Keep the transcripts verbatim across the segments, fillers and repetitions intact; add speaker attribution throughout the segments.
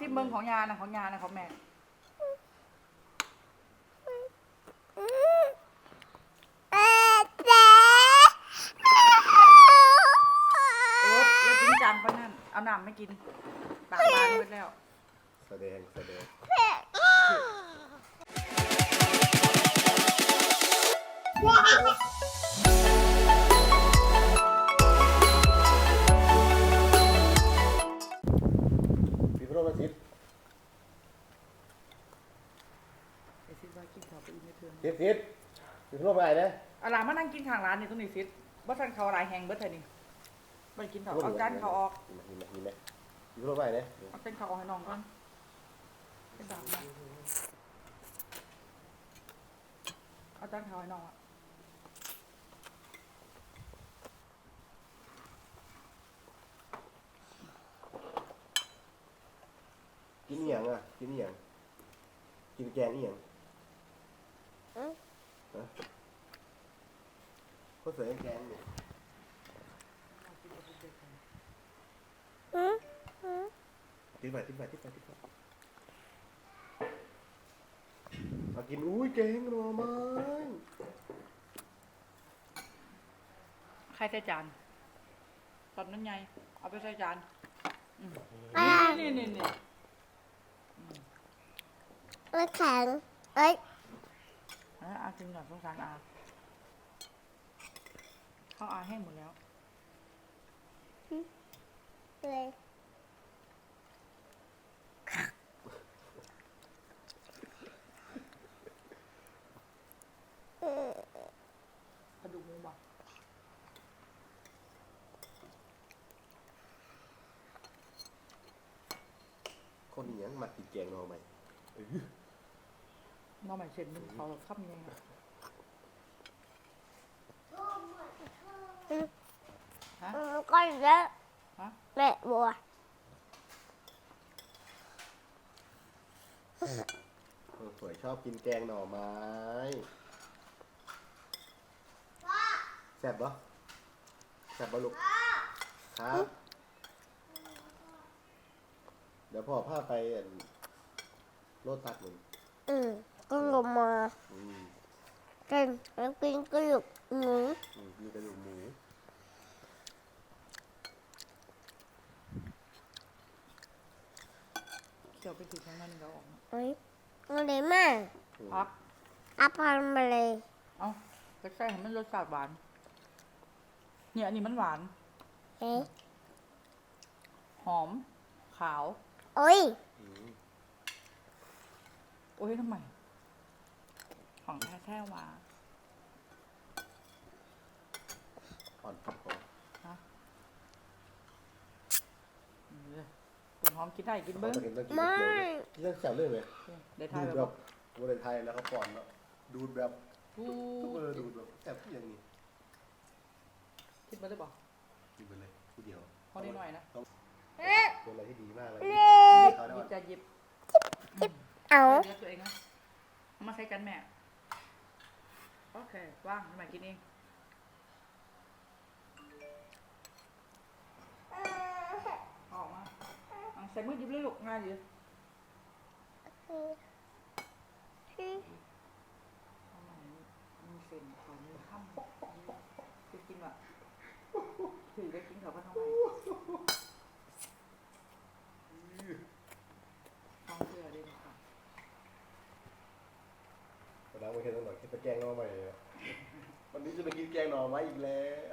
Speaker 1: นเมืองของยานะของยานะของแม่เออแล้วจริงจังปะนั่นเอาน้ำไม่กินปากบานหมดแล้ว
Speaker 2: แสดงแสดงพี่พระมาทิพย์
Speaker 1: ไอซิดว่ากินข้าวไปอีกไม่เทิน
Speaker 2: ทิพย์ทิพย์พี่พระมาไหนนะ
Speaker 1: เอาหลานมานั่งกินข้างร้านนี่ตรงนี้ซิดบ่ทันเขาหลายแหงเบิดเท่านี้ไปกินข้าวเอาจานเขาออก
Speaker 2: มีไหมมีไหมพี่พระมาไหน
Speaker 1: เอาจานเขาออกให้น้องก่อนเป็นดาบนะเอาจานเขาให้น้องอ่ะ
Speaker 2: กินเหี่ยงอ่ะกินเหี่ยงกินแกงเหี่ยงฮะเขาเสิร์ฟแกงเนี่ยติ๊บไปติ๊บไปติ๊บไปติ๊บไปเอากินอุ้ยแกงหน่อไม้
Speaker 1: ใครใส่จานตอนนั้นไงเอาไปใส่จานนี่นี่นี่
Speaker 3: มันแข็งเอ้ย
Speaker 1: อากินก่อนสงสารอาเขาอาแห้งหมดแล้ว
Speaker 3: เลย
Speaker 1: กระดูกหมูบ่
Speaker 2: คนนี้ยังมากินแกงหน่อไม้
Speaker 1: น้องใหม่เสร็จมึงเขาขับยังไงฮะ
Speaker 3: ก็เยอะแม่บัว
Speaker 2: สวยชอบกินแกงหน่อไม้แซ่บปะแซ่บปะลูกครับเดี๋ยวพ่อพาไปโลตัสหนึ่ง
Speaker 3: อืมก็ลงมากินแล้วกินกระดูกหมู
Speaker 2: มีกระดูกหมู
Speaker 1: เกี่ยวไปถึงข้างนั้นเราออก
Speaker 3: เฮ้ยอะไรมาก
Speaker 1: พัก
Speaker 3: อัพพันมาเลย
Speaker 1: เอ้าก็ใส่ให้มันรสชาติหวานเนี่ยอันนี้มันหวาน
Speaker 3: เฮ้
Speaker 1: หอมขาว
Speaker 3: โอ้ย
Speaker 1: โอ้ยทำไมของแท้แท้ว่า
Speaker 2: อ่อนผักหอม
Speaker 1: ฮะคุณหอมกินได้กินเบิ้ง
Speaker 3: ไม่
Speaker 2: เรื่องแซ่บเรื่องเลย
Speaker 1: ได้ทา
Speaker 2: ย
Speaker 1: แบบ
Speaker 2: วันไทยแล้วเขาป้อนแล้วดูดแบบทุกเบอร์ดูดแบบแซ่บที่อย่างนี้
Speaker 1: คิดมาได้ป่ะ
Speaker 2: กินไปเลยทีเดียว
Speaker 1: พอได้หน่อยนะ
Speaker 2: เป็นอะไรที่ดีมากเลย
Speaker 1: หยิบจะหยิบ
Speaker 3: เอา
Speaker 1: เลี้ยงตัวเองนะเอามาใช้กันแม่โอเคว่างทำไมกินเองออกมาใส่มือหยิบเลยลูกง่ายดีมีเส้นเขามีข้ามจะกินแบบถือได้กินเขาก็ทำไมท้องเชื่อได้ไหมคะ
Speaker 2: วันนั้นมาเห็นตรงไหนคิดไปแกงหน่อไม้วันนี้จะไปกินแกงหน่อไม้อีกแล้ว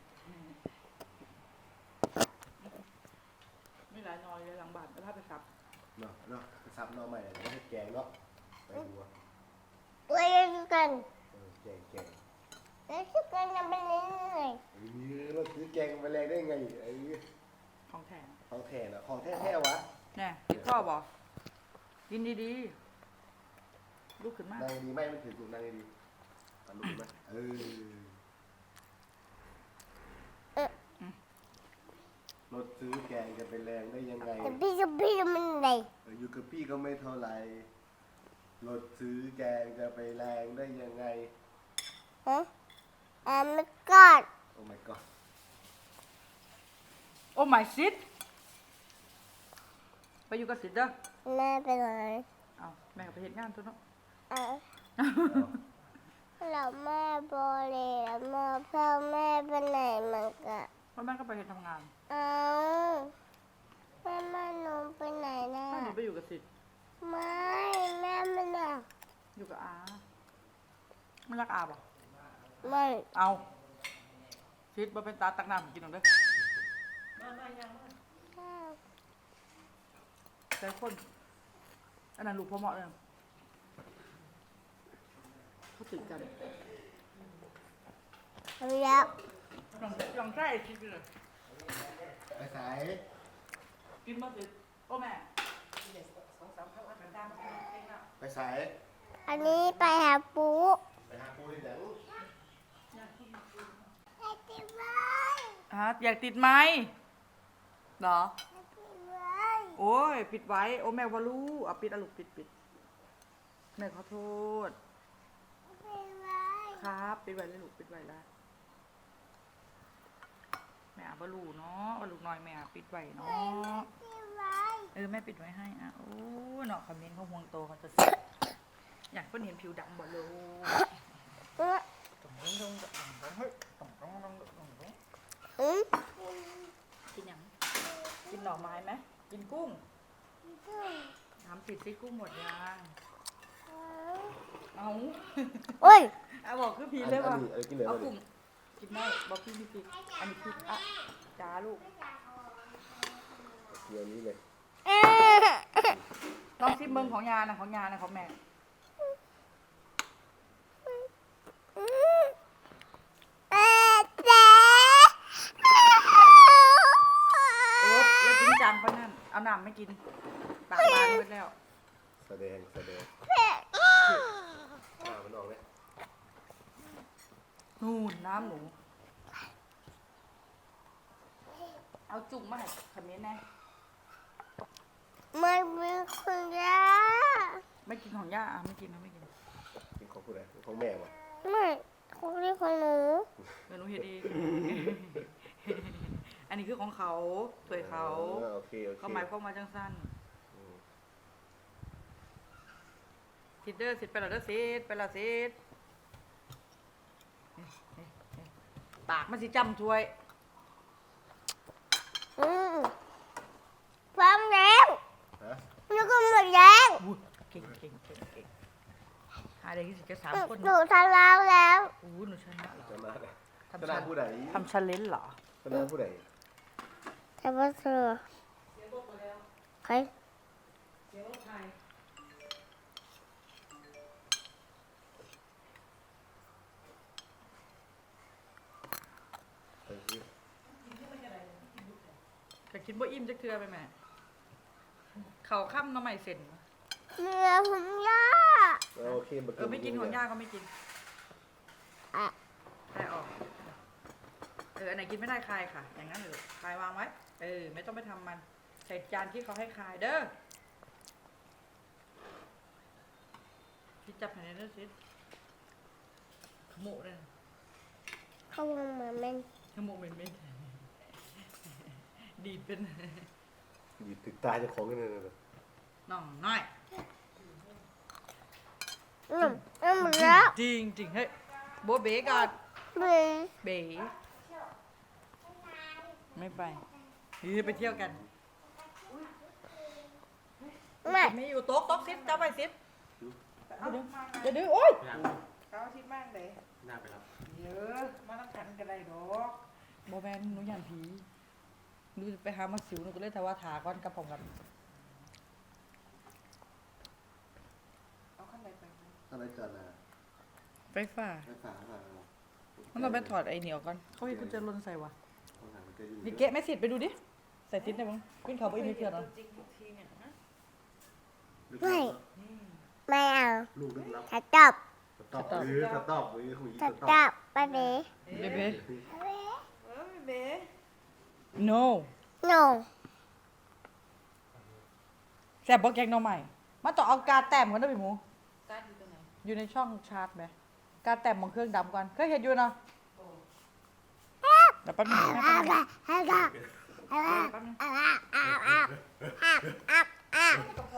Speaker 1: ไม่หลายนอยเลยหลังบ้านแล้วพาไปซับ
Speaker 2: เนาะเนาะไปซับหน่อไม้แล้วให้แกงเนาะไปดูอ่ะ
Speaker 3: เว้ยกัน
Speaker 2: แกงแกง
Speaker 3: แล้วชื่อกันยังเป็นยังไง
Speaker 2: เราซื้อแกงไปแรงได้ไงไอ้
Speaker 1: ของแท้
Speaker 2: ของแท้นะของแท้แท้วะ
Speaker 1: เนี่ยติดข้อบอกกินดีๆลุกขึ้นมา
Speaker 2: นั่งดีไม่มันถือถูกนั่งดีๆลุกขึ้นมาเออรถซื้อแกงจะไปแรงได้ยังไง
Speaker 3: พี่กับพี่มันไง
Speaker 2: อยู่กับพี่ก็ไม่เท่าไหร่รถซื้อแกงจะไปแรงได้ยังไง
Speaker 3: ฮะอ่าไม่กอด
Speaker 2: โอ้ my god
Speaker 1: โอ้ my shit ไปอยู่กับสิทธิ์เด้อ
Speaker 3: แม่ไปไหน
Speaker 1: เอาแม่ก็ไปเฮ็ดงานตัวเนาะ
Speaker 3: อ่ะแล้วแม่โบเลยแล้วแม่พ่อแม่ไปไหนมันก็
Speaker 1: เพราะแม่ก็ไปเฮ็ดทำงาน
Speaker 3: เอาแม่แม่หนูไปไหนนะ
Speaker 1: ถ้าหนูไปอยู่กับสิทธิ์
Speaker 3: ไม่แม่ไม่ได้
Speaker 1: อยู่กับอาไม่รักอาป่ะ
Speaker 3: ไม่
Speaker 1: เอาสิทธิ์บ่เป็นตาตักน้ำกินหรอกเด้อแต่คนอันนั้นลูกพ่อเหมาะเลยเขาติดกัน
Speaker 3: แล้ว
Speaker 1: ลองลองใช่คิดเลย
Speaker 2: ไปสาย
Speaker 1: กินมาสิโอ้แม่
Speaker 2: ไปสาย
Speaker 3: อันนี้ไปหาปู
Speaker 2: ไปหาปูที่ไหน
Speaker 3: ไอ้ที่ไว้
Speaker 1: ฮะอยากติดไหมเหรอ
Speaker 3: ไอ้ที่ไว้
Speaker 1: โอ้ยปิดไว้โอ้แม่ว่ารู้เอาปิดอะลูกปิดปิดแม่ขอโทษ
Speaker 3: ไอ้ที่ไว้
Speaker 1: ครับปิดไว้เลยลูกปิดไว้ละแม่อาบลูเนาะเอาลูกน้อยแม่อาปิดไว้เนาะ
Speaker 3: ที่ไว้
Speaker 1: เออแม่ปิดไว้ให้อ่ะโอ้เนาะคอมเมนต์เขาห่วงโตเขาจะเสียอยากเพิ่นเห็นผิวดำบ่ลูก
Speaker 3: เอ๊ะ
Speaker 1: ตรงตรงตรงตรงตรงเฮ้ยตรงตรงตรงตรงตรงตรง
Speaker 3: อืม
Speaker 1: กินหยังกินหน่อไม้ไหมกินกุ้งถามสิสิกุ้งหมดยังเอา
Speaker 3: โอ้ย
Speaker 1: เอาบอกคือพี
Speaker 2: อัน
Speaker 1: เลย
Speaker 2: นี้
Speaker 1: ว่า
Speaker 2: อันนี้กินเหลือ
Speaker 1: เอา
Speaker 2: เลย
Speaker 1: กุ้งกินได้บอกพี่พี่พี่อันนี้พี่อ่ะจ้าลูก
Speaker 2: เดี๋ยวนี้เลย
Speaker 3: เอ๊ะ
Speaker 1: ลองชิมเมืองของยานะของยานะของแม่
Speaker 3: อืมเอ๊ะเจ๊
Speaker 1: โอ๊บแล้วจริงจังปะนั่นเอาน้ำไม่กินปากบานหมดแล้ว
Speaker 2: แสดงแสดงอ่ามันออกเลย
Speaker 1: นู่นน้ำหนูเอาจุ่มมาให้คอมเมนต์แน่
Speaker 3: มันเป็นคนยา
Speaker 1: ไม่กินของย่าอ่ะไม่กินนะไม่กิน
Speaker 2: กินของผู้ใดของแม่วะ
Speaker 3: ไม่คนนี้ของหนู
Speaker 1: เดี๋ยวหนูเห็นเอง อันนี้คือของเขาสวยเขา
Speaker 2: ออโอเคโอเค
Speaker 1: เขาหมายความว่าจังสั้น
Speaker 2: อืม
Speaker 1: ทิดเดอร์สิไปแล้วเด้อสิไปแล้วสิปากมันสิจำช่วย
Speaker 3: อืมพร้อมแล้ว
Speaker 2: ฮะ
Speaker 3: แล้วก็หมดแล้ว
Speaker 1: อุ๊ยเก่งเก่งเก่งเก่งหาได้ที่สิจะสามคน
Speaker 3: หนูทำแล้วแล้ว
Speaker 1: อู้หนูชนะเหรอ
Speaker 2: ชนะเลยช
Speaker 1: ทำ
Speaker 2: นะ
Speaker 1: ชัน
Speaker 2: ผู้ใด
Speaker 1: ทำชันเลนเหรอ
Speaker 2: ชนะผู้ใด
Speaker 3: แต่ว่าเธอใคร
Speaker 2: ไปสิ
Speaker 1: ก็คิดว่าอิ่มจะเกลือไปไหมเขาข้ามน้ำใหม่เสร็จ
Speaker 3: เนื้อผมย่า
Speaker 2: เออโอเคมา
Speaker 1: เออไม่กินของย่าก็ไม่กิน
Speaker 3: อ่ะ
Speaker 1: ได้ออกเอออันไหนกินไม่ได้คายค่ะ อย่างนั้นเลยคายวางไว้เออไม่ต้องไปทำมันใส่จานที่เขาให้คายเด้อที่จับให้ในเด้อสิขโมยเลย
Speaker 3: เข้ามาเหมือนมัน
Speaker 1: ขโมยเป็นเม็ดดีดเป็น
Speaker 2: หยิบถึงตาเจ้าของกันเลยนะ
Speaker 1: น้องน้อย
Speaker 3: อืมอืมหมดแล้ว
Speaker 1: จริงจริงเฮ้ยโบเบก่อน
Speaker 3: เบื่อ
Speaker 1: เบ๋ไม่ไปเฮ้ยไปเที่ยวกัน
Speaker 3: ไม่
Speaker 1: ไม่อยู่โต๊ะโต๊ะซิดจับไปซิดเดี๋ยวเดี๋ยวโอ๊ยเขาชิดมากเลย
Speaker 2: น่าไปรับ
Speaker 1: เยอะมาต้องกันกันได้ดอกโบแมนหนูยันผีหนูจะไปหามาสิวหนูก็เลยแต่ว่าถาก้อนกระป๋องกันเอาขั้นใดไป
Speaker 2: อะไรกันนะ
Speaker 1: ไฟฟ้า
Speaker 2: ไปฝาฝา
Speaker 1: มันต้องไปถอดไอ้เหนียวก่อนเขาให้กุญแจลนใส่วะ
Speaker 2: ของหางมันจะอยู่
Speaker 1: นี่เกะไม่สิทธิ์ไปดูดิใส่ซิดได้มั้งขึ้นเขาไปอีกไม่เถื่อนหรอ
Speaker 3: ไม่ไม่เอา
Speaker 2: ลูกลึกลับ
Speaker 3: ถ้าตอบ
Speaker 2: สต็อปหรือสต็อปหรือคุย
Speaker 3: ถ้า
Speaker 2: ส
Speaker 3: ต
Speaker 2: ต็อ
Speaker 3: อ
Speaker 2: ป
Speaker 3: บไปเบ๋
Speaker 1: เบเบ้ no
Speaker 3: no
Speaker 1: แซ่บบอกแกงหน่อใหม่มันต้องเอากาแต้มก่อนนะพี่หมูอยู่ในช่องชาร์จไหมกาแต้มของเครื่องดำก่อนเคยเห็นอยู่เนาะเดี๋ยวแป๊บนึงแป๊บนึง
Speaker 3: เอาไปเอาไปเอาไป
Speaker 1: แป๊บนึง
Speaker 3: เอาไปเอาไปเอาไปอ่ะ
Speaker 1: กับใคร